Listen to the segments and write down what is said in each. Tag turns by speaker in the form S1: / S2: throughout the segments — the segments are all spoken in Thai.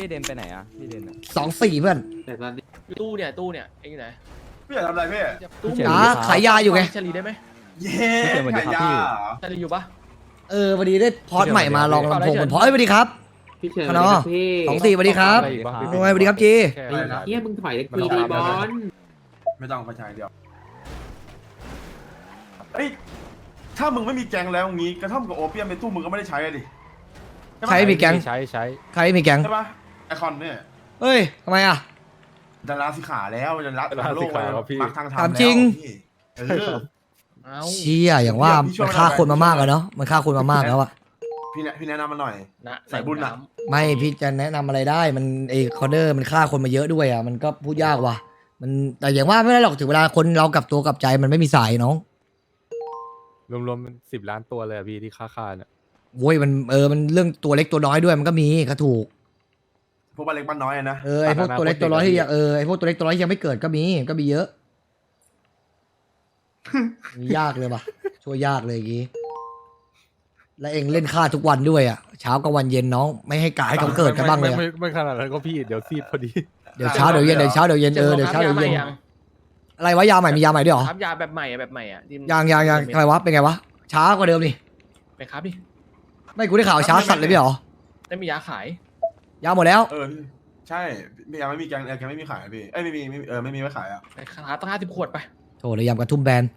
S1: เดนไปไหนอ่ะพี่เดนอ่ะ
S2: 24เพื่อน
S3: แต่ตอนนี้
S4: ตู้เนี่ยเองอยู่ไหน
S5: พี่อยากทำอะไรพี่
S4: ตู้
S2: อ๋อขายยาอยู่ไง
S4: ชลีได้ไหม
S5: เย้ขายยาเหรอ
S4: ชลีอยู่ปะ
S2: วันนี้ได้พอดใหม่มาลองลำโพงบนพอสสวัสดีครับ
S3: พี่เชิญ
S2: ฮัลโหล
S3: พี่
S2: 24สวัสดีครับ สวัสดีครับจี
S3: ไอ้เฮียมึงถอยเลยคุยดีบอล
S5: ไม่ต้องไปใช้เดียวเอ้ยถ้ามึงไม่มีแกงแล้วงี้กระท่อมกับโอเปียมในตู้มึงก็ไม่ได้ใช้อะดิ
S2: ใครมีแก๊ง
S1: ใช้
S2: ใครมีแก๊ง
S5: ใช่ปะไอคอนเนี่ย
S2: เฮ้ยทำไมอ่ะ
S5: ดาราสิขาแล้วจะรับโลกปักทาง
S2: ถามจริง
S5: เออ
S4: เอ้า
S2: เชี่ยอย่างว่ามันฆ่าคนมามากอะเนาะมันฆ่าคนมามากแล้วอะ
S5: พี่แนะนำมาหน่อย
S4: นะ
S5: ใส่บุญน่ะ
S2: ไม่พี่จะแนะนำอะไรได้มันคอร์เนอร์มันฆ่าคนมาเยอะด้วยอ่ะมันก็พูดยากว่ะมันแต่อย่างว่าไม่ได้หรอกถึงเวลาคนเรากลับตัวกลับใจมันไม่มีสายน้อง
S1: รวมๆมัน10 ล้านตัวเลยอะพี่ที่ค่าเนี่ย
S2: โว้ยมันมันเรื่องตัวเล็กตัวน้อยด้วยมันก็มีก็ถูก
S5: พวกบ้านเล็กบ้านน้อยอะนะ
S2: ไอพวกตัวเล็กตัวน้อยที่ยังไอพวกตัวเล็กตัวน้อยที่ยังไม่เกิดก็มีเยอะ ยากเลยว่ะช่วยยากเลยอย่างงี้แล้วเองเล่นฆ่าทุกวันด้วยอ่ะเช้ากับวันเย็นน้องไม่ให้กายให้เขาเกิดกันบ้างเลยอะ
S1: ไม่ขนาดนั้นก็พี่เดี๋ยวซีดพอดี
S2: เดี๋ยวเช้าเดี๋ยวเย็นเดี๋ยวเช้าเดี๋ยวเย็นเดี๋ยวเช้าเดี๋ยวเย็นอะไรวะยาใหม่มียาใหม่ด้วยเหรอ
S4: ครับยาแบบใหม่อ่ะที่
S2: ยังอะไรวะเป็นไงวะช้ากว่าเดิมนี่
S4: ไปครับดิ
S2: ไม่กูได้ข่าวช้าสัตว์เลยพี่เหรอ
S4: ได้มียาขาย
S2: ยาหมดแล้ว
S5: ใช่ยังไม่มีแกงไม่มีขายพี่ไม่มีไม่มีไว้ขายอ่ะ
S4: ไปขายตั้ง50 ขวดไป
S2: โถเลยยำกระทุ่มแบน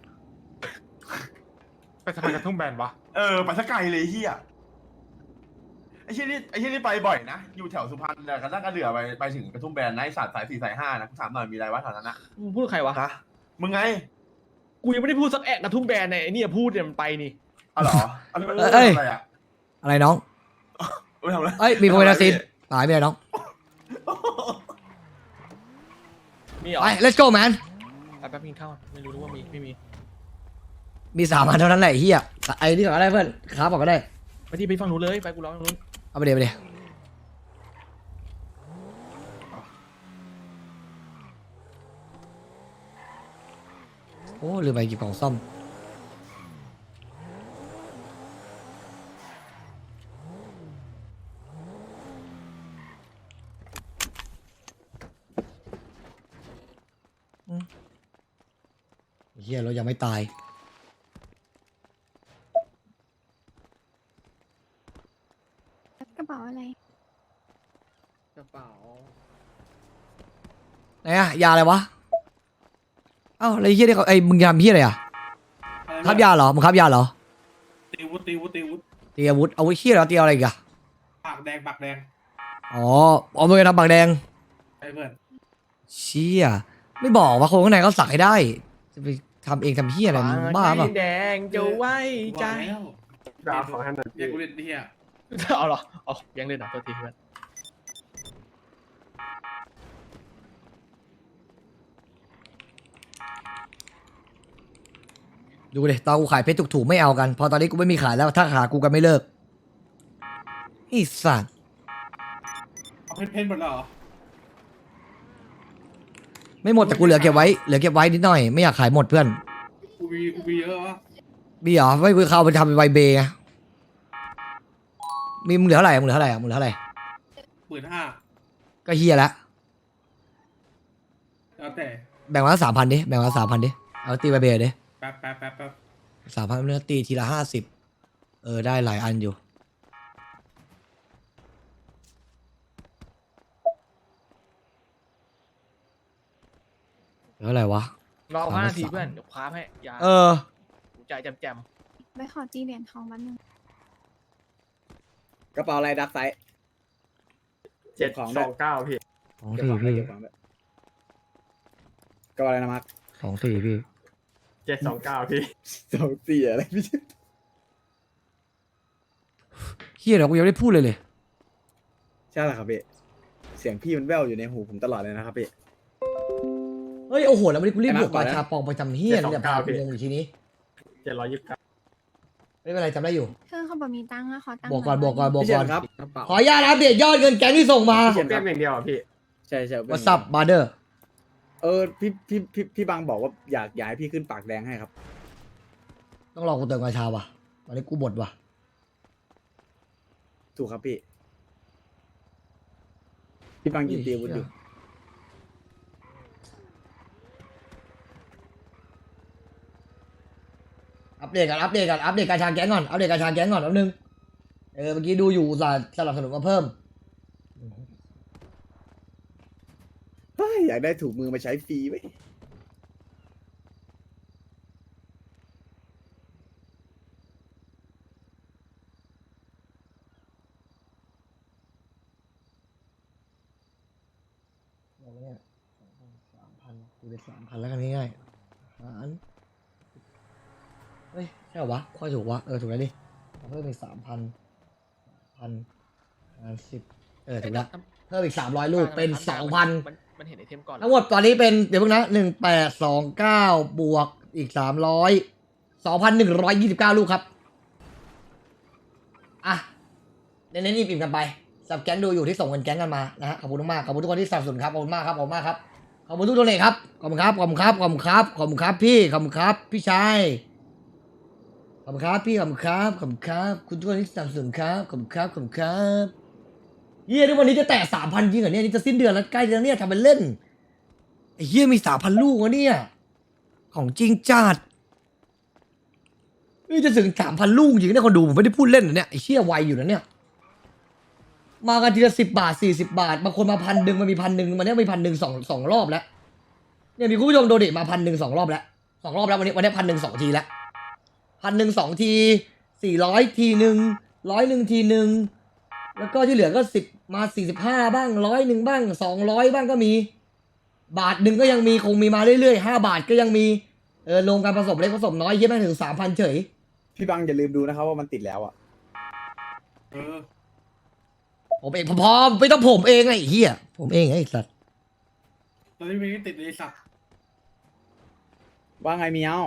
S6: ไปทำไมกระทุ่มแบนวะ
S5: ไปสักไกลเลยเฮียไอ้เชี่ยนี่ไปบ่อยนะอยู่แถวสุพรรณแต่กระทั่งกระเดือไปถึงกระทุ่มแบนนะไอ้สัตว์สาย4 สาย 5นะถามหน่อยมีอะไรวะแถวนั้นนะ
S4: มึงพูดใครวะ
S5: ฮะมึงไง
S4: กูยังไม่ได้พูดสักแอะกระทุ่มแบนเนี่ยไอ้เนี่ยพูดเนี่ยมันไปนี่
S5: อ๋อเหรออะไรอ่ะ
S2: อะไรน้อง
S5: ไม่ทำอะไร
S2: เอ้ยมีโพเมลาซินตายไม่ได้น้อง
S4: มีเหรอ
S2: ไป let's go man
S4: ไปแป๊บกินข้าวไม่รู้ว่ามีไม่มี
S2: มี3 อันเท่านั้นแหละไอ้เฮียไอ้นี่ก่อนก็ได้เพื่อนค้าบอกก็ได้
S4: ไปที่ไปฝั่งนู้นเลยไปกูร้องฝั่งนู้น
S2: เอาไปเดี๋ยวโอ้ลืมไปหยิบของซ่อมเฮียเรายังไม่ตาย
S7: กระเป๋าอะไร
S4: กระเป๋า
S2: ไหนอะยาอะไรวะ เอ้าอะไรเฮียนี่เขามึงทำเฮียอะไรอะครับยาเหรอมึงครับยาเหรอ
S6: ตีวุฒตีวุฒตีวุฒ
S2: ตีอาวุธเฮียเหรอตีอะไรอีกอะ
S6: ปากแดงปากแดง
S2: อ๋อมึงจะทำปากแดง
S6: ไอ้เพื่อน
S2: เชี่ยไม่บอกว่าคนข้างในเขาสักให้ได้จะไปทำเองทำเฮียอะไรมึงบ้าเปล่ะ
S4: แดงจะไว้ใจ
S6: ดาวของฮันนันเรียกกูเล่นที่อ่ะ
S4: เอาเหรอเอายังเล่นเหรอตัวทีเพื่อน
S2: ดูเลยตอนกูขายเพชรถูกๆไม่เอากัน พอตอนนี้กูไม่มีขายแล้วถ้าหากูกันไม่เลิกไอ้สัตว์
S6: เอาเพนหมดแล้วเหรอ
S2: ไม่หมดแต่กูเหลือเก็บไว้นิดหน่อยไม่อยากขายหมดเพื่อน
S6: กูมีเยอะวะ
S2: มีเหรอไม่คือเขาเอาไปทำเป็นไวเบย์ไงมีมึงเหลือเท่าไหร่มึงเหลือเท่าไหร่มึงเหลือเท่าไหร่
S6: 15,000
S2: ก็เฮียละ
S6: แล้วแต่
S2: แบ่งมา3,000ดิแบ่งมา3,000ดิเอาตีไวเบย์ดิ
S6: แป๊บ
S2: 3,000เนื้อตีทีละ50ได้หลายอันอยู่เหลืออะไรวะ
S4: รอ5 นาทีเพื่อนเดี๋ยวคว้าให้ยาใจแจม
S7: ไปขอจีเหรียญทองวันหนึ่ง
S8: กระเป๋าอะไรดักไซส์
S6: 729พี่
S2: 2 4พี่
S8: กระเป๋าอะไรนะมาร์ค
S2: 2 4พี่
S6: 729พี่
S8: 24อะไรพี่
S2: เฮียเดี๋ยวกูยังไม่ได้พูดเลย
S8: ใช่เหรอครับพี่เสียงพี่มันแว่วอยู่ในหูผมตลอดเลยนะครับพี่
S2: เฮ้ยโอ้โหแล้ววันนี้กูรีบบวก
S8: ไอ้
S2: มา
S8: มาร์ค
S2: ชาปองไปทำเฮียเนี่ยพากูงงอยู่ทีนี้
S6: 729
S2: ไม่เป็นไรจำได้อยู่
S7: คือเขาบอกมีตังค์อะขอตังค์
S2: บวกก่อน
S7: ห
S2: บวกก่อนบวก
S8: พี่เฉิ
S2: ก่อน
S8: นครับกระเป๋า
S2: ขออนุญาตอัปเดตยอดเงินแก๊งที่ส่งมา
S8: พี่เฉินครับ
S6: อย่างเดียวอ่ะพี่
S8: ใช่
S2: วัสับมาเดอร์
S8: พี่บางบอกว่าอยากย้ายพี่ขึ้นปากแดงให้ครับ
S2: ต้องรอกูเติมกาชาว่ะตอนนี้กูบดว่ะ
S8: ถูกครับพี่พี่บังยินดีวุฒิอยู่
S2: อัปเดตกันอัปเดตกันอัปเดตการชางแก๊งก่อนอัปเดตการชางแก๊งก่อนแป๊บนึงเมื่อกี้ดูอยู่อุตส่าห์สนับสนุนมาเพิ่ม
S8: เฮ้ยอยากได้ถูกมือมาใช้ฟรีไหม
S2: 3,000ดูเป็น3,000แล้วกันง่ายๆเฮ้ยใช่เหรอวะค่อยถูกวะถูกแล้วดิเพิ่มอีก10ถูกแล้วเพิ่มอีก300ลูกเป็น 2,000
S4: มันเห็นไอเทมก่อน
S2: ทั้งหมดตอนนี้เป็นเดี๋ยวเพิ่งนะ1829บวกอีก300 2,129 ลูกครับอ่ะเน้นๆอิ่มๆกันไปสับแก๊งดูอยู่ที่ส่งเงินแก๊งกันมานะฮะขอบคุณมากขอบคุณทุกคนที่สนับสนุนครับขอบคุณมากครับขอบคุณมากครับขอบคุณทุกตัวเลยครับขอบคุณครับขอบคุณครับขอบคุณครับขอบคุณครับพี่ขอบคุณครับพี่ชายขอบคุณครับพี่ขอบคุณครับขอบคุณครับคุณทุกคนที่สนับสนุนครับขอบคุณครับขอบคุณครับเฮียทุกวันนี้จะแตะ 3,000 จริงเหรอเนี่ยนี่จะสิ้นเดือนแล้วใกล้แล้วเนี่ยทำเป็นเล่นไอ้เฮียมี 3,000 ลูกวะเนี่ยของจริงจัดนี่จะถึง 3,000 ลูกจริงเนี่ยคนดูผมไม่ได้พูดเล่นนะเนี่ยไอ้เชี่ยไวอยู่นะเนี่ยมากันทีละ10 บาท40 บาทบางคนมา1,000มันมี1,000มันเนี้ยมี1,000สองรอบแล้วเนี่ยมีคุณผู้ชมโดเนทมา1,000 2 รอบแล้ว2 รอบแล้ววันนี้1,000 2 ทีแล้ว1,000 2 ที400 ทีหนึ่ง100 ทีหนึ่งแล้วก็ที่เหลือก็10มา45บ้าง100บ้าง200บ้างก็มีบาทหนึ่งก็ยังมีคงมีมาเรื่อยๆ5 บาทก็ยังมีลงการผสมเล็กผสมน้อยเยอะแม่งถึง 3,000 เฉย
S8: พี่บังอย่าลืมดูนะครับว่ามันติดแล้วอ่ะ
S6: เออ
S2: ผมเองพอไม่ต้องผมเองไอ้เหี้ยผมเองไอ้สัตว์
S6: ตอนนี้มีไม่ติดเลยสัก
S8: ว่าไงเมียว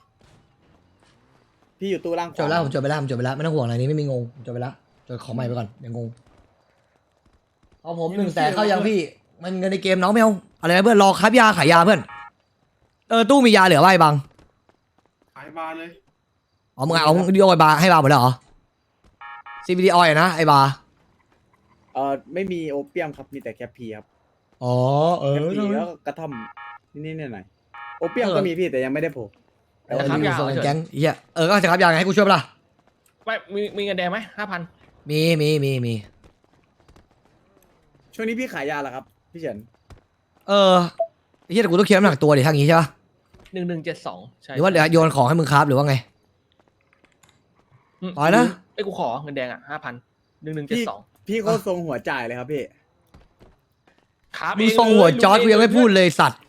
S8: พี่อยู่ตู้ล่างข
S2: จบ
S8: วา
S2: แล้วผมจบไปแล้วไม่ต้องห่วงอะไรนี้ไม่มีงงจบไปแล้วจดของใหม่ไปก่อนอย่างงงเอาผม100,000เข้ายังพี่มันเงินในเกมน้องไม่เอาอะไรนะเพื่อนรอครับยาขายยาเพื่อนตู้มียาเหลือไว้บัง
S6: ขายบาร์เลย
S2: อ๋อมึงเอาดิโอไอบาร์ให้บาร์หมดแล้วเหรอ CBD oil นะไอบาร์
S8: ไม่มีโอเปียมครับมีแต่แคปพีครับ
S2: อ๋อ
S8: แคปพีแล้วก็กระท่อมนิดๆหน่อยๆโอเปียมก็มีพี่แต่ยังไม่ได้โผล่
S2: แต่ว่ามีส่งแก๊งเหี้ยก็จะครับยาไงให้กูช่วยปะล่ะ
S4: ไม่มีเงินแดงไหม5,000
S2: มี
S8: ช่วงนี้พี่ขายยาเหรอครับพี่เฉิน
S2: ไอ้เหี้ยแต่กูต้องเคลียร์น้ำหนักตัวดิทางนี้ใช่ปะ
S4: 1172ใช่
S2: หรือว่าเดี๋ยวโยนของให้มึงครับหรือว่าไง ต่อยนะ
S4: ไอ้กูขอเงินแดงอ่ะ5,000 1172
S8: พี่โคตรทรงหัวจ่ายเลยครับพี่
S4: ครับ
S2: มึงส่งหัวจอร์ดกูยังไม่พูดเลยสัตว์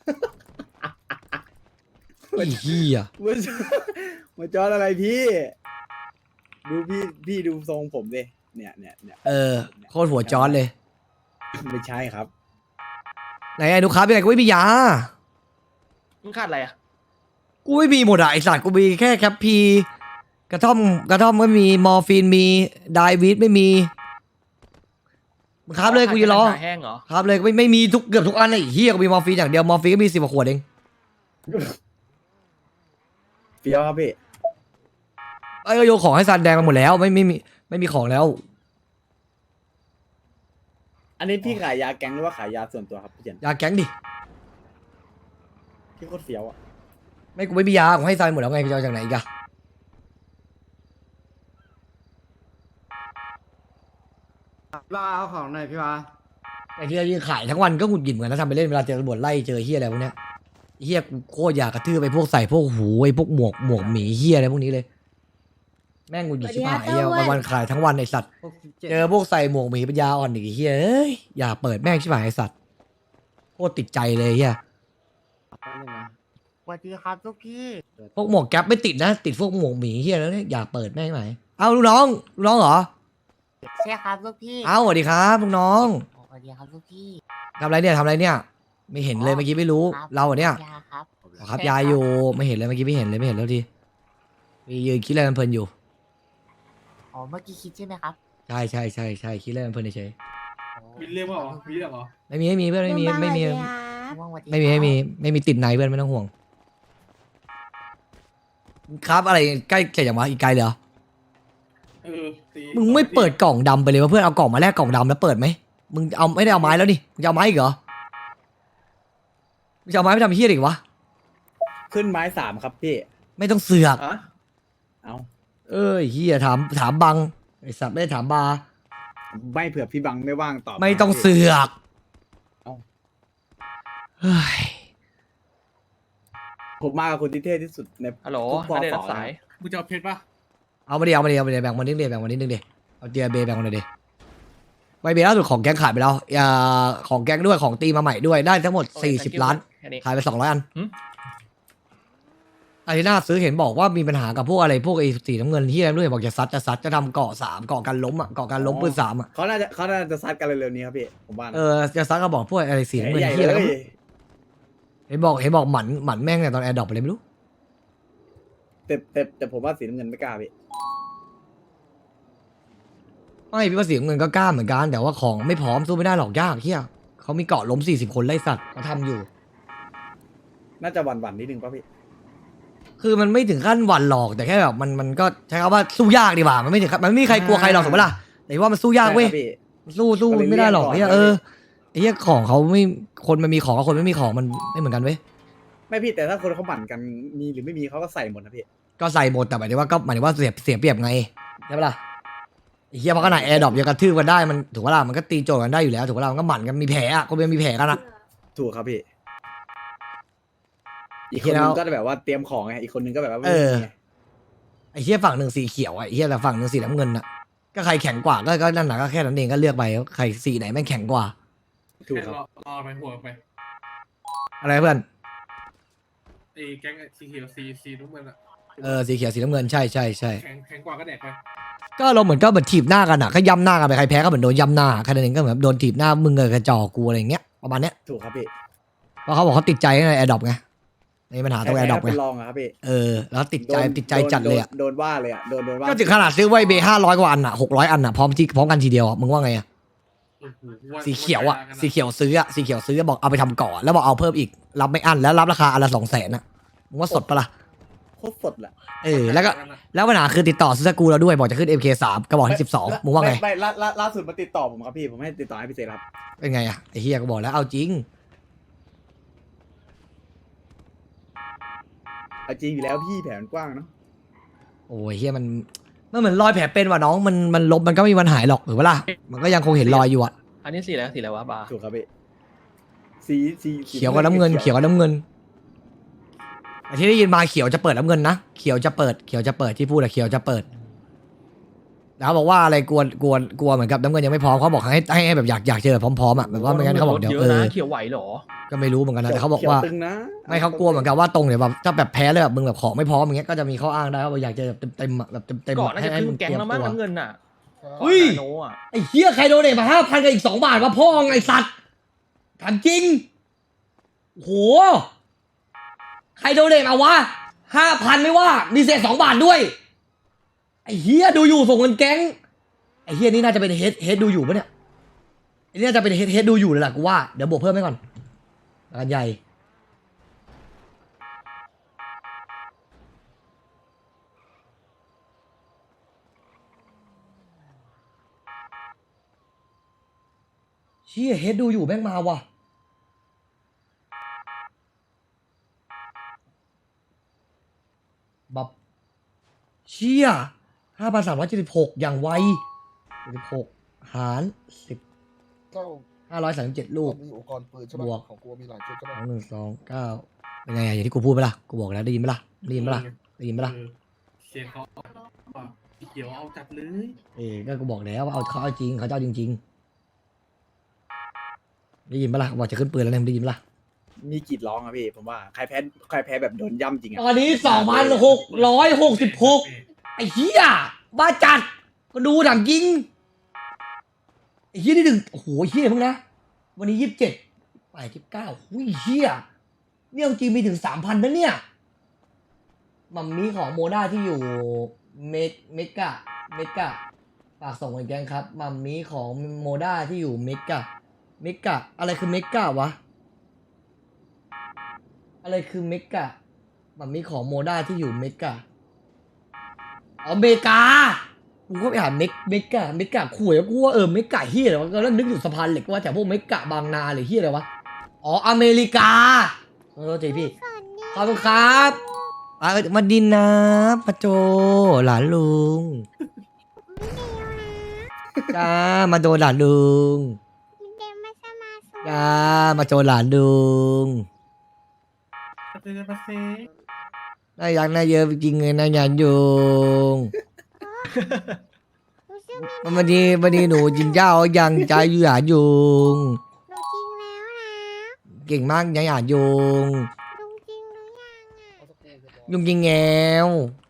S2: ไอ้เหี้ย
S8: หัวจออะไรพี่ ดูพี่ดูทรงผมดิเนี่ย
S2: โคตรหัวจอร์ดเลย
S8: ไม่ใช่ครับ
S2: ไหนไอ้ดูครับยังไงกูไม่มียา
S4: มึงขาดอะไรอ่ะ
S2: กูไม่มีหมดอะไอสัตว์กูมีแค่แคปพีกระท่อมไม่มีมอร์ฟีนมีไดวีดไม่มีมึงครับเลยกูจะรอ
S4: ขาดแห้งเหรอ
S2: ครับเลยไม่มีเกือบทุกอันเลยไอ้เฮียกูมีมอร์ฟีนอย่างเดียวมอร์ฟีนก็มี10 กว่าขวดเอง
S8: เฟี้ยวครับพี่
S2: ไอ้ก็โยนของให้ซันแดงมาหมดแล้วไม่มีของแล้ว
S8: อันนี้พี่ขายยาแก๊งหรือว่าขายยาส่วนตัวครับพี่เฉิน
S2: ยาแก๊งดิ
S8: พี่โคตรเฟี้ยวอ่ะ
S2: ไม่กูไม่มียาผมให้ซันหมดแล้วไงกูจะเอาจากไหนอีกอะ
S9: ว่าเอาของหน่อยพี่วา
S2: ไอ้ที่เรายืนขายทั้งวันก็หงุดหงิดเหมือนกันนะทำไปเล่นเวลาเจอตำรวจไล่เจอเฮียอะไรพวกเนี้ยเฮียกูโคตรอยากกระทืบไปพวกใส่พวกหูไอ้พวกหมวกหมีเฮียอะไรพวกนี้เลยแม่งหงุดหงิดชิบหายเฮียวันขายทั้งวันไอ้สัตว์ เจอพวกใส่หมวกหมีปัญญาอ่อนอีกไอ้เฮียเอ้ยอย่าเปิดแม่งชิบหายไอ้สัตว์โคตรติดใจเลยเฮีย
S9: สวัสดีครับลูกพี่
S2: พวกหมวกแก๊ปไม่ติดนะติดพวกหมวกหมีเฮียแล้วเนี่ยอย่าเปิดแม่งไหมเอาลูกน้องเหรอ
S9: ใช่ครับลูกพี่
S2: เอาสวัสดีครับลูกน้อง
S9: สวัสดีครับลูกพี่
S2: ทำอะไรเนี่ยไม่เห็นเลยเมื่อกี้ไม่รู้
S9: ครับ
S2: เราอะเนี่ย
S9: ยาครับ
S2: อ๋อครับยายอยู่ไม่เห็นเลยเมื่อกี้ไม่เห็นแล้วทีมียืนคิดอะไรเพลินๆอยู่
S9: อ๋อเมื่อกี้คิดใช่ไหมครับ
S2: ใช่คิดอะไรเพลินๆเฉย
S6: มีเรื่องว่าเหรอมีเรื่องเหรอ
S2: ไม่มีเพื่อนไม่มี
S7: เรื่องบ้าน
S2: ไม่มี
S7: อะไรอะ
S9: ว่างสวัสดี
S2: ไม่มีติดในเพื่อนไม่ต้องห่วงครับอะไรใกล้จะอย่างวะอีกไกลเลยเหรอ
S6: เออตี
S2: มึงไม่เปิดกล่องดำไปเลยวะเพื่อนเอากล่องมาแลกกล่องดำแล้วเปิดไหมมึงเอาไม่ได้เอาไม้แล้วนี่มึงจะเอาไม้อีกเหรอมึงจะเอาไม้ไปทำเฮี้ยอีกวะ
S8: ขึ้นไม้3ครับพี่
S2: ไม่ต้องเสือก
S4: อ่ะ
S8: เอา
S2: เอ้ยเฮี้ยถามบังไอสัตว์ไม่ได้ถามบา
S8: ไม่เผื่อพี่บังไม่ว่างตอบ
S2: ไม่ต้องเสือก
S8: เอา
S2: เฮ้ย
S8: ผมมากับคนที่เท่ที่สุดใน
S4: ฮัลโหล
S8: ทุก
S4: ไม่ได้
S8: ป
S4: รับสาย
S6: มึงจะเอาเพชรปะ
S2: เอามาดิแบ่งวันนิดเดียวแบ่งวันนิดนึงดิเอาเจียเบย์แบ่งวันหน่อยดิใบเบย์ล่าสุดของแก๊งขายไปแล้วอย่าของแก๊งด้วยของตีมาใหม่ด้วยได้ทั้งหมด
S4: โอเค
S2: 40 ล้าน
S4: แค่นี้
S2: ขายไป200 อัน
S4: หืม
S2: อารีนาซื้อเห็นบอกว่ามีปัญหากับพวกอะไรพวกไอ้สีน้ำเงินที่อะไรไม่รู้เห็นบอกจะซัดจะทำเกาะ3เกาะกันล้มอ่ะเกาะกันล้มปืน3อ่ะ
S8: เขาน่าจะซัดกันเร็วๆนี้ครับพี่ผมว่านะ
S2: จะซัดก็บอกพวกอะไรสีน้ำเงิน
S8: ใหญ่
S2: ที่อะไร
S8: เล
S2: ก็
S8: ย
S2: ไม่รู้เห็นบอกหมันแม่งเนี่ยตอนแอร์ดรอปไปเลยไม่รู้
S8: แต่ผมว่าสีน้ำเงินไม่กล้าพี่
S2: ไม่พี่ว่าสีน้ำเงินก็กล้าเหมือนกันแต่ว่าของไม่พร้อมสู้ไม่ได้หรอกยากเฮียเขามีเกาะล้ม40 คนไล่สัตว์เขาทำอยู่
S8: น่าจะหวั่นนิดนึงป่ะพี่
S2: คือมันไม่ถึงขั้นหวั่นหรอกแต่แค่แบบมันก็ใช้คำว่าสู้ยากดีกว่ามันไม่ถึงขั้นมันไม่มีใครกลัวใครหรอกสมมติล่ะแต่ว่ามันสู้ยากเว้ย
S8: ใช่ครับพี่
S2: สู้
S8: ก็เลย
S2: ไม่ได้หรอก
S8: เลี่ยงก่อน
S2: เฮียไอ้เฮียของเขาไม่คนมันมีของกับคนไม่มีของมันไม่เหมือนกันเว้ย
S8: ไม่พี่แต่ถ้าคนเขาหมั่นกันมีหรือไม่มีเขาก็ใส่หมดนะพี่
S2: ก็ใส่หมดแต่หมายถึงว่าเสียเปรียบไงใช่ปะล่ะไอ้เฮียเพราะขนาดแอร์ดรอปยังกระทืบกันได้มันถูกปะล่ะมันก็ตีโจทย์กันได้อยู่แล้วถูกปะล่ะมันก็หมั่นกันมีแผลอ่ะคนเป็นมีแผลกันอ่ะ
S8: ถูกครับพี่ อีก
S2: เห็
S8: คน
S2: นแล้
S8: นึ
S2: ว
S8: งก็แบบว่าเตรียมของไงอีกคนนึงก็แบบว่า
S2: เออ
S8: ไม่มีไง
S2: ไอ้เฮียฝั่งหนึ่งสีเขียวอ่ะไอ้เฮียแต่ฝั่งหนึ่งสีน้ำเงินอ่ะก็ใครแข็งกว่าก็นั่นแหละก็แค่นั้นเองก็เลือกไปว่าใครสีไหนแม่งแข็งกว่า
S8: ถูก
S6: แค่
S8: ครับ
S6: รอไปหัวไป
S2: อะไรเพื่อน
S6: ไอ้แก๊งสีเขียวสีน้ำเงินอะ
S2: สีเขียวสีน้ำเงินใช่
S6: แข็งกว่าก็แดกไป
S2: ก็เราเหมือนถีบหน้ากันอ่ะก็ย้ำหน้ากันไปใครแพ้ก็เหมือนโดนย้ำหน้าแค่นั้นเองก็เหมือนโดนถีบหน้ามึงกับกระจอกกูอะไรอย่างเงี้ยประมาณเนี้ย
S8: ถูกครับพี่
S2: เพราะเขาบอกเขาติดใจในแอร์ดรอปไงในปัญหาตรงแอร์ดรอปไง
S8: เป็นรองอะครับพี่
S2: แล้วติดใจจัดเลยอ่ะ
S8: โดนว่าเลยอะโดนว่า
S2: ก็ถึงขนาดซื้อไว้เบ500 กว่าอันอ่ะ600 อันอ่ะพร้อมกันทีเดียวอ่ะมึงว่าไงอ่ะ
S6: โอ้โหว่า
S2: สีเขียวอ่ะ
S6: ว่า
S2: สีเขียวซื้อบอกเอาไปทำเกาะแล้วบอกเอาเพิ่มอีกรับไม่อั้นแล้วรับราคาอันละ200,000อ่ะมึงว่าสดปะล่ะ
S8: โคตรสดแหละ
S2: แล้วปัญหาคือติดต่อซื้อสกรูเราด้วยบอกจะขึ้น MK3 กระบอกที่12มึงว่าไง
S8: ไม่ล่าสุดมาติดต่อผมครับพี่ผมให้ติดต่อให้พี่เซครับ
S2: เป็นไงอ่ะไอ้เฮียก็บอกแล้วเอาจริง
S8: เอาจริงอยู่แล้วพี่แผนกว้างเนาะ
S2: โอ้ยเฮียมันเหมือนรอยแผลเป็นว่ะน้องมันลบมันก็ไม่มีวันหายหรอกหรือว่าล่ะมันก็ยังคงเห็นรอยอยู่อ่ะ
S4: อันนี้สีอะไรวะบาร์
S8: ถูกครับพี่สี
S2: เขียวกับน้ำเงินแต่ที่ได้ยินมาเขียวจะเปิดน้ำเงินนะเขียวจะเปิดที่พูดอะเขียวจะเปิดแล้วบอกว่าอะไรกลัวเหมือนกับน้ำเงินยังไม่พร้อมเขาบอกให้แบบอยากเจอพร้อมๆอ่ะแบบว่าไม่งั้นเขาบอกเดี๋ยว
S4: เยอะนะเขียวไหวเหรอ
S2: ก็ไม่รู้เหมือนกันนะแต่เขาบอกว่า
S8: ขียตึงนะ
S2: ไม่เขากลัวเหมือนกันว่าตรงเนี่ยแบบถ้าแบบแพ้เลยแบบมึงแบบของไม่พร้อมอย่างเงี้ยก็จะมีข้ออ้างได้ว่าอยากจะแบบเต็มๆอะแบบเต็ม
S4: ก่อนน่าจะครึ่งแก๊งแล้วมั้ง
S2: ตัว
S4: น้ำเงินน่ะ
S2: เฮ้ย
S4: โนอ่ะ
S2: ไอ้เหี้ยใครโดเนทมา5,000กับอีก2 บาทวะพ่อไงสัตว์ถามจริงโหใครโดเนทมาวะ5,000ไม่ว่ามีเศษ2 บาทด้วยไอ้เหี้ยดูอยู่ส่งเงินแก๊งไอ้เหี้ยนี่น่าจะเป็นเฮดดูอยู่ปะเนี่ยไอ้นี่น่าจะเป็นเฮดดูอยู่เลยล่ะกูว่าเดี๋ยวบวกเพิ่มให้ก่อนงานใหญ่เชี่ยเฮดดูอยู่แม่งมาว่ะบับเชี่ย5,376อย่างไว76หาร10 537 ลูก
S10: มีอุปกรณ์ปืนใช่ไหม
S2: บวก
S10: ของกูมีหลายชุดใช่ไหม
S2: 2 1 2 9เป็นไงอะอย่างที่กูพูดไปล่ะกูบอกแล้วได้ยินไหมล่ะได้ยินไหมล่ะ
S6: เออเสียงเขาสีเขียวเอาจัดเลย
S2: ก็กูบอกแล้วว่าเขาเอาจริงเขาจะเอาจริงๆได้ยินปะล่ะบอกจะขึ้นปืนแล้วเนี่ยมึงได้ยินปะล่ะ
S8: มีกรีดร้องอะพี่ผมว่าใครแพ้แบบโดนย่ำจริงอะ
S2: ตอนนี้ 2,666 ไอ้เหี้ยบ้าจัดก็ดูถามจริงไอ้เหี้ยนี่โอ้โหเหี้ยเพิ่งนะวันนี้27 29หุ้ยเหี้ยเนี่ยจริงมีถึง 3,000นะเนี่ยมัมมี่ของโมด้าที่อยู่เมกาฝากส่งไปแกงครับมัมมี่ของโมด้าที่อยู่เมกาอะไรคือเมกาวะอะไรคือเมกามัมมี่ของโมด้าที่อยู่เมกาอ๋อเมกากูก็ไปหาเมกะคุยแล้วกูว่าเมกะเฮียอะไรวะแล้วนึกอยู่สะพานเหล็กว่าแต่พวกเมกะบางนาหรือเฮียอะไรวะอ๋ออเมริกาขอโทษทีพี่ขอบคุณครับมาดินนะปะโจหลานลุงจ้ามาโดนหลานลุงจ้ามาโจหลานลุงน่ารักน่าเยอะจริงเลยนะยันยุงวันนี้หนูจินเจ้ายังใจอยู่หยาดยุงเก่งมากยังหยาดยุงยุงยิงแงว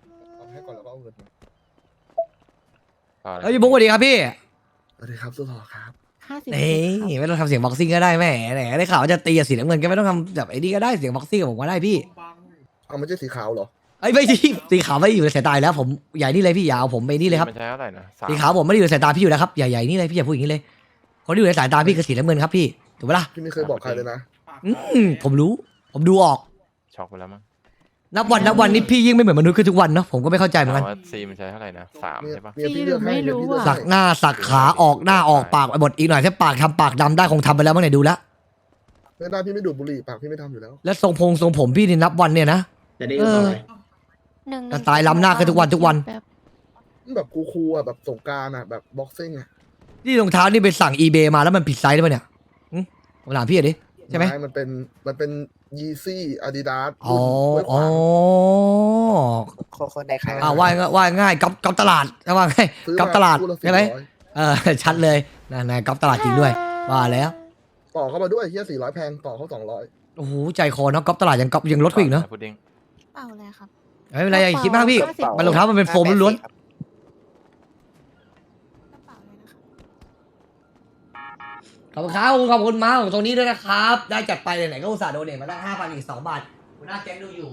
S2: เฮ้ยพี่บุ๊กสวัสดีครับพี่
S8: สวัสดีครับสุดหล่อครับ
S2: นี่ไม่ต้องทำเสียงบ็อกซิ่งก็ได้แหมได้ข่าวว่าจะตีกับสีน้ำเงินก็ไม่ต้องทำแบบไอ้นี่ก็ได้เสียงบ็อกซิ่งกับผมก็ได้พี่
S8: เอาไม่ใช่สีขาวเหรอ
S2: ไอ้ยไม่ใช่สีขาวไม่อยู่ในสายตาแล้วผมใหญ่นี่เลยพี่อย่าเอาผมไปนี่เลยครับ
S1: มันใช้เท่าไหร่นะ
S2: สีขาวผมไม่ได้อยู่ในสายตาพี่อยู่แล้วครับใหญ่ๆนี่เลยพี่อย่าพูดอย่างนี้เลยคนที่อยู่ในสายตาพี่คือสีน้ำเงินครับพี่ถูกปะล่ะ
S8: พี่ไม่เคยบอกใครเลยนะ
S2: ผมรู้ผมดูออก
S1: ช็อกไปแล้วมั้ง
S2: นับวันนี่พี่ยิ่งไม่เหมือนมนุษย์ขึ้นทุกวันเนาะผมก็ไม่เข้าใจเหมือนกัน
S1: ว่าซีมันใช้เท่าไหร่นะ3ใช่ปะ
S8: เมียพี่เลือกให้เมียพี่เลือก
S2: สักหน้าสักขาออกหน้าออกปากไปหมดอีกหน่อยถ้าปากทำปากดำได้คงทำไปแล้วเมื่อไหร่ดูแล้ว
S8: ไม่ได้พี่ไม่ดูดบุหรี่ปากพี่ไม่ทำอยู่แล้ว
S2: แล้วทรงผมพี่นี่นับวันเนี่ยนะ
S3: จะได้รู้ไหม
S2: แต่ตายล้ำหน้ากันทุกวัน
S8: แบบคูลๆอ่ะแบบสงกรานต์อ่ะแบบบ็อกซิ่งอ่ะ
S2: นี่รองเท้านี่ไปสั่ง eBay มาแล้วมันผิดไซส์ได้ปะเนี่ยผมถามพี่หน่อยดิใช่ไหม
S8: มันเป็นยีซี่อาดิดาส
S2: อ๋อ
S9: คนในใคร
S2: ว่าง่ายก๊อปตลาดว่าง่ายก๊อปตลาดใช่ไหมชัดเลยนายก๊อปตลาดจริงด้วยว่าแล้ว
S8: ต่อเข้ามาด้วยเฮีย400แพงต่อเขา200
S2: โอ้โหใจคอเนาะก๊อปตลาดยังลดกว่าอีกเนาะ
S1: พุดดิ้ง
S7: เปล่าเลยครับ
S2: ไม่เป็นไรอย่าคิดมากพี่มันรองเท้ามันเป็นโฟมล้วน
S7: กระเป๋าเลยนะครับ
S2: ๆขอบคุณครับขอบคุณมาของตรงนี้ด้วยนะครับได้จัดไปไหนๆก็อุตส่าห์โดเนทมาตั้ง 5,000 อีก 2 บาทหัวหน้าแก๊งดูอยู่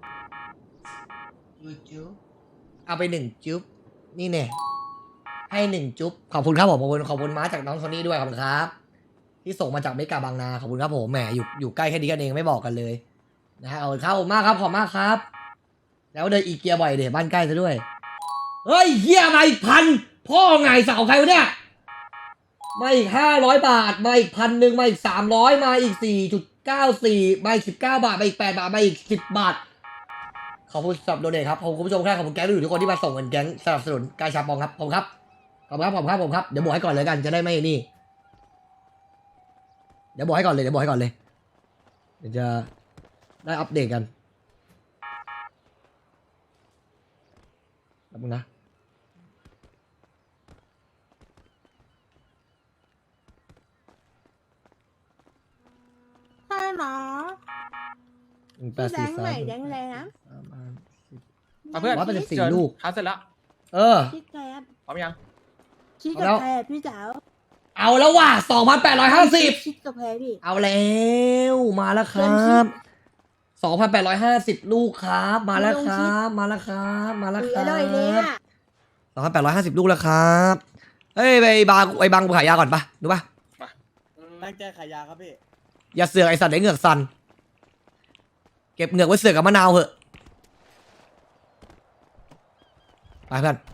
S2: จุ๊บเอาไป1จุ๊บนี่แน่ให้1จุ๊บขอบคุณครับผมขอบคุณม้าจากน้องโทนี่ด้วยขอบคุณครับที่ส่งมาจากเมกาบางนาขอบคุณครับผมแหมอยู่ใกล้แค่นี้กันเองไม่บอกกันเลยนะฮะขอบคุณครับผมมากครับขอบมากครับ แล้วเดินอีเกียบ่อยเดี๋ยวบ้านใกล้ซะด้วยเฮ้ยเฮียมาอีก1,000พ่อไงสาวใครวะเนี่ยมาอีก500 บาทมาอีก1,000มาอีก300มาอีก4.94มาอีก19 บาทมาอีก8 บาทมาอีก10 บาทขอบคุณสำหรับโดเนทครับขอบคุณผู้ชมครับขอบคุณแก๊งทุกคนที่มาส่งเงินแก๊งสนับสนุนกายชาปองครับขอบคุณครับขอบคุณครับเดี๋ยวบอกให้ก่อนเลยกันจะได้ไม่นี่เดี๋ยวบอกให้ก่อนเลยเดี๋ยวจะได้อัปเดตกันแป๊บนึงนะ
S7: ใช่หรอ
S2: แปดสี่สาม
S7: แดงเลยนะ
S4: เอาเพื่อน
S2: 184 ลูก
S4: ค้าเสร็จแล้ว
S2: เออ
S7: คิดแกร
S4: พร้อมยัง
S7: คิด
S2: เอาแล้
S7: กับ
S2: ว
S7: แพรพี่จ๋า
S2: เอาแล้วว่ะ2,850
S7: คิดกับแพรพี่
S2: เอาแล้วมาแล้วครับ2,850 ลูกครับมาแล้วครับมาแล้วครับมาแล้วค
S7: อ
S2: รั
S7: ร่อยเลย
S2: บ
S7: อ่ะ
S2: 2,850 ลูกแล้วครับเฮ้ยไปบังขายยาก่อนปะดูปะ
S8: ตั้งใจขายยาครับพี่
S2: อย่าเสือกไอสัตว์ไอเหงือกสั่นเก็บเหงือกไว้เสือกกับมะนาวเหอะไปเพื่อน